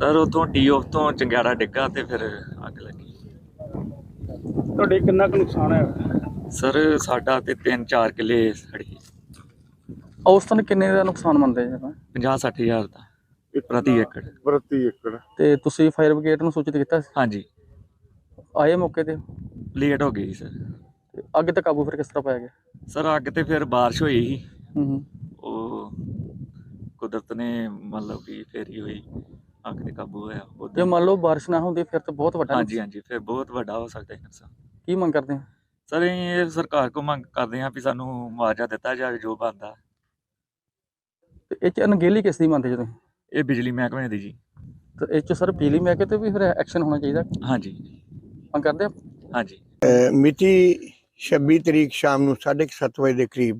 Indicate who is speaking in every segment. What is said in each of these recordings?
Speaker 1: Sir ਉੱਥੋਂ T of ਤੋਂ ਚੰਗਿਆੜਾ ਡਿੱਗਾ ਤੇ ਫਿਰ ਅੱਗ ਲੱਗੀ।
Speaker 2: ਤੁਹਾਡੇ ਕਿੰਨਾ ਕੁ ਨੁਕਸਾਨ ਹੈ?
Speaker 1: ਸਰ ਸਾਡਾ ਤੇ 3-4 ਕਿੱਲੇ ਸੜੀ।
Speaker 3: ਔਸਤਨ ਕਿੰਨੇ ਦਾ ਨੁਕਸਾਨ ਮੰਨਦੇ ਜੀ?
Speaker 1: 50-60 ਹਜ਼ਾਰ ਦਾ ਪ੍ਰਤੀ ਏਕੜ।
Speaker 2: ਪ੍ਰਤੀ ਏਕੜ।
Speaker 3: ਤੇ ਤੁਸੀਂ ਫਾਇਰ ਬ੍ਰਿਗੇਡ ਨੂੰ ਸੂਚਿਤ ਕੀਤਾ ਸੀ?
Speaker 1: ਹਾਂਜੀ,
Speaker 3: ਆਏ ਮੌਕੇ ਤੇ?
Speaker 1: ਲੇਟ ਹੋ ਗਈ ਸਰ।
Speaker 3: ਤੇ ਅੱਗ ਤੇ ਕਾਬੂ ਫਿਰ ਕਿਸ ਤਰ੍ਹਾਂ ਪਾਇਆ ਗਿਆ?
Speaker 1: ਸਰ ਅੱਗ ਤੇ ਫਿਰ ਬਾਰਿਸ਼ ਹੋਈ ਸੀ,
Speaker 3: ਹੂੰ।
Speaker 1: ਉਹ ਕੁਦਰਤ ਨੇ ਮਤਲਬ ਕਿ ਫਿਰ ਹੀ ਹੋਈ, ਅੱਗ ਤੇ ਕਾਬੂ ਹੋਇਆ
Speaker 3: ਜੇ
Speaker 1: ਉੱਦਾਂ।
Speaker 3: ਮੰਨ ਲਓ ਬਾਰਿਸ਼ ਨਾ ਹੁੰਦੀ ਫਿਰ ਤਾਂ ਬਹੁਤ ਵੱਡਾ
Speaker 1: ਹਾਂਜੀ ਹਾਂਜੀ, ਫਿਰ ਬਹੁਤ ਵੱਡਾ ਹੋ ਸਕਦਾ ਹੈ ਨੁਕਸਾਨ।
Speaker 3: ਕੀ ਮੰਗ ਕਰਦੇ ਹੋ?
Speaker 1: ਸਰ ਅਸੀਂ ਇਹ ਸਰਕਾਰ ਕੋਲ ਮੰਗ ਕਰਦੇ ਹਾਂ ਵੀ ਸਾਨੂੰ ਮੁਆਵਜ਼ਾ ਦਿੱਤਾ ਜਾਵੇ ਜੋ ਬਣਦਾ।
Speaker 3: ਤੇ ਇਹ 'ਚ ਅਣਗਹਿਲੀ ਕਿਸ ਦੀ ਮੰਨਦੇ ਜੀ ਤੁਸੀਂ?
Speaker 1: ਇਹ ਬਿਜਲੀ ਮਹਿਕਮੇ ਦੀ ਜੀ।
Speaker 3: ਤੇ ਇਹ 'ਚ ਸਰ ਬਿਜਲੀ ਮਹਿਕਮੇ ਤੇ ਵੀ ਫਿਰ ਐਕਸ਼ਨ ਹੋਣਾ ਚਾਹੀਦਾ,
Speaker 1: ਹਾਂਜੀ
Speaker 3: ਮੰਗ ਕਰਦੇ ਆ?
Speaker 1: ਹਾਂਜੀ।
Speaker 4: ਮਿਤੀ 26 ਤਰੀਕ ਸ਼ਾਮ ਨੂੰ 7:30 ਵਜੇ ਦੇ ਕਰੀਬ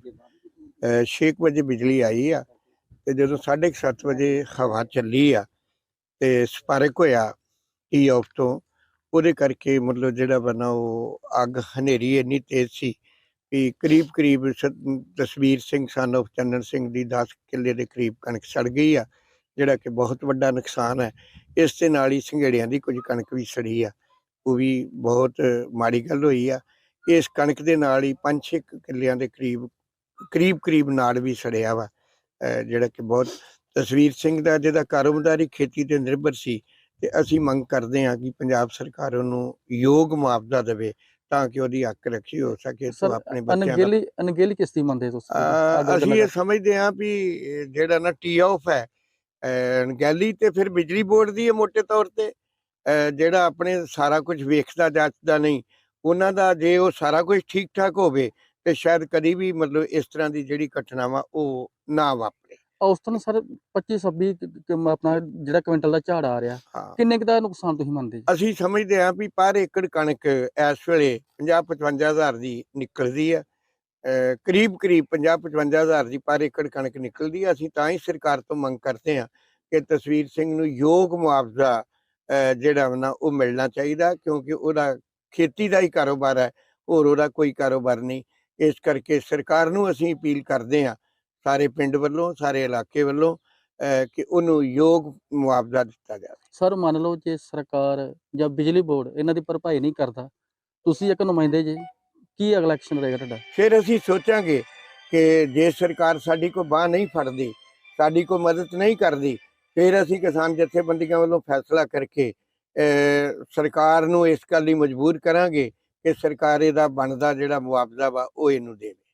Speaker 4: 6 ਵਜੇ ਬਿਜਲੀ ਆਈ ਆ ਤੇ ਜਦੋਂ 7:30 ਵਜੇ ਹਵਾ ਚੱਲੀ ਆ ਤੇ ਸਪਾਰਕ ਹੋਇਆ ਟੀ ਆਫ ਤੋਂ, ਉਹਦੇ ਕਰਕੇ ਮਤਲਬ ਜਿਹੜਾ ਬਣਾ ਉਹ ਅੱਗ ਹਨੇਰੀ ਇੰਨੀ ਤੇਜ਼ ਸੀ ਵੀ ਕਰੀਬ ਤਸਵੀਰ ਸਿੰਘ ਸਨ ਆਫ ਚੰਨਣ ਸਿੰਘ ਦੀ 10 ਕਿੱਲੇ ਦੇ ਕਰੀਬ ਕਣਕ ਸੜ ਗਈ ਆ, ਜਿਹੜਾ ਕਿ ਬਹੁਤ ਵੱਡਾ ਨੁਕਸਾਨ ਹੈ। ਇਸ ਦੇ ਨਾਲ ਹੀ ਸੰਘੇੜਿਆਂ ਦੀ ਕੁਝ ਕਣਕ ਵੀ ਸੜੀ ਆ, ਉਹ ਵੀ ਬਹੁਤ ਮਾੜੀ ਗੱਲ ਹੋਈ ਆ। ਇਸ ਕਣਕ ਦੇ ਨਾਲ ਹੀ 5-6 ਕਿੱਲਿਆਂ ਦੇ ਕਰੀਬ ਨਾੜ ਵੀ ਸੜਿਆ ਵਾ, ਜਿਹੜਾ ਕਿ ਬਹੁਤ ਤਸਵੀਰ ਸਿੰਘ ਦਾ ਜਿਹਦਾ ਕਾਰੋਬਾਰੀ ਖੇਤੀ ਤੇ ਨਿਰਭਰ ਸੀ। ਤੇ ਅਸੀਂ ਮੰਗ ਕਰਦੇ ਹਾਂ ਕਿ ਪੰਜਾਬ ਸਰਕਾਰ ਉਹਨੂੰ ਯੋਗ ਮੁਆਵਜ਼ਾ ਦੇਵੇ ਤਾਂ ਕਿ ਉਹਦੀ ਹੱਕ ਰੱਖੀ ਹੋ ਸਕੇ।
Speaker 3: ਸਰ
Speaker 4: ਆਪਣੇ ਬੱਚਿਆਂ ਦਾ
Speaker 3: ਅਣਗਹਿਲੀ ਕਿਸ ਦੀ ਮੰਨਦੇ ਤੁਸੀਂ?
Speaker 4: ਅਸੀਂ ਇਹ ਸਮਝਦੇ ਹਾਂ ਵੀ ਜਿਹੜਾ ਨਾ ਟੀ ਆਫ ਹੈ ਅਣਗਹਿਲੀ ਤੇ ਫਿਰ ਬਿਜਲੀ ਬੋਰਡ ਦੀ ਹੈ ਮੋਟੇ ਤੌਰ ਤੇ, ਜਿਹੜਾ ਆਪਣੇ ਸਾਰਾ ਕੁਝ ਵੇਖਦਾ ਜਾਂਚਦਾ ਨਹੀਂ ਉਹਨਾਂ ਦਾ। ਜੇ ਉਹ ਸਾਰਾ ਕੁਝ ਠੀਕ ਠਾਕ ਹੋਵੇ ਤੇ ਸ਼ਾਇਦ ਕਦੀ ਵੀ ਮਤਲਬ ਇਸ ਤਰ੍ਹਾਂ ਦੀ ਜਿਹੜੀ ਘਟਨਾਵਾਂ ਉਹ ਨਾ ਵਾਪਰੇ।
Speaker 3: ਔਸਤਨ ਸਰ 25-26 ਆਪਣਾ ਜਿਹੜਾ ਕੁਇੰਟਲ ਦਾ ਝਾੜ ਆ ਰਿਹਾ,
Speaker 4: ਹਾਂ,
Speaker 3: ਕਿੰਨੇ ਕੁ ਦਾ ਨੁਕਸਾਨ ਤੁਸੀਂ ਮੰਨਦੇ ਜੀ?
Speaker 4: ਅਸੀਂ ਸਮਝਦੇ ਹਾਂ ਵੀ ਪਰ ਏਕੜ ਕਣਕ ਇਸ ਵੇਲੇ 50-55 ਹਜ਼ਾਰ ਦੀ ਨਿਕਲਦੀ ਹੈ, ਕਰੀਬ 50-55 ਹਜ਼ਾਰ ਦੀ ਪਰ ਏਕੜ ਕਣਕ ਨਿਕਲਦੀ ਹੈ। ਅਸੀਂ ਤਾਂ ਹੀ ਸਰਕਾਰ ਤੋਂ ਮੰਗ ਕਰਦੇ ਹਾਂ ਕਿ ਤਸਵੀਰ ਸਿੰਘ ਨੂੰ ਯੋਗ ਮੁਆਵਜ਼ਾ ਜਿਹੜਾ ਨਾ ਉਹ ਮਿਲਣਾ ਚਾਹੀਦਾ, ਕਿਉਂਕਿ ਉਹਦਾ ਖੇਤੀ ਦਾ ਹੀ ਕਾਰੋਬਾਰ ਹੈ, ਹੋਰ ਉਹਦਾ ਕੋਈ ਕਾਰੋਬਾਰ ਨਹੀਂ। ਇਸ ਕਰਕੇ ਸਰਕਾਰ ਨੂੰ ਅਸੀਂ ਅਪੀਲ ਕਰਦੇ ਹਾਂ ਸਾਰੇ ਪਿੰਡ ਵੱਲੋਂ, ਸਾਰੇ ਇਲਾਕੇ ਵੱਲੋਂ, ਕਿ ਉਹਨੂੰ ਯੋਗ ਮੁਆਵਜ਼ਾ ਦਿੱਤਾ ਜਾਵੇ।
Speaker 3: ਸਰ ਮੰਨ ਲਓ ਜੇ ਸਰਕਾਰ ਜਾਂ ਬਿਜਲੀ ਬੋਰਡ ਇਹਨਾਂ ਦੀ ਭਰਪਾਈ ਨਹੀਂ ਕਰਦਾ, ਤੁਸੀਂ ਇੱਕ ਨੁਮਾਇੰਦੇ ਜੇ, ਕੀ ਅਗਲਾ ਐਕਸ਼ਨ ਰਹੇਗਾ ਤੁਹਾਡਾ?
Speaker 4: ਫਿਰ ਅਸੀਂ ਸੋਚਾਂਗੇ ਕਿ ਜੇ ਸਰਕਾਰ ਸਾਡੀ ਕੋਈ ਬਾਂਹ ਨਹੀਂ ਫੜਦੀ, ਸਾਡੀ ਕੋਈ ਮਦਦ ਨਹੀਂ ਕਰਦੀ, ਫਿਰ ਅਸੀਂ ਕਿਸਾਨ ਜਥੇਬੰਦੀਆਂ ਵੱਲੋਂ ਫੈਸਲਾ ਕਰਕੇ ਸਰਕਾਰ ਨੂੰ ਇਸ ਗੱਲ ਲਈ ਮਜਬੂਰ ਕਰਾਂਗੇ ਕਿ ਸਰਕਾਰ ਇਹਦਾ ਬਣਦਾ ਜਿਹੜਾ ਮੁਆਵਜ਼ਾ ਵਾ ਉਹ ਇਹਨੂੰ ਦੇਵੇ।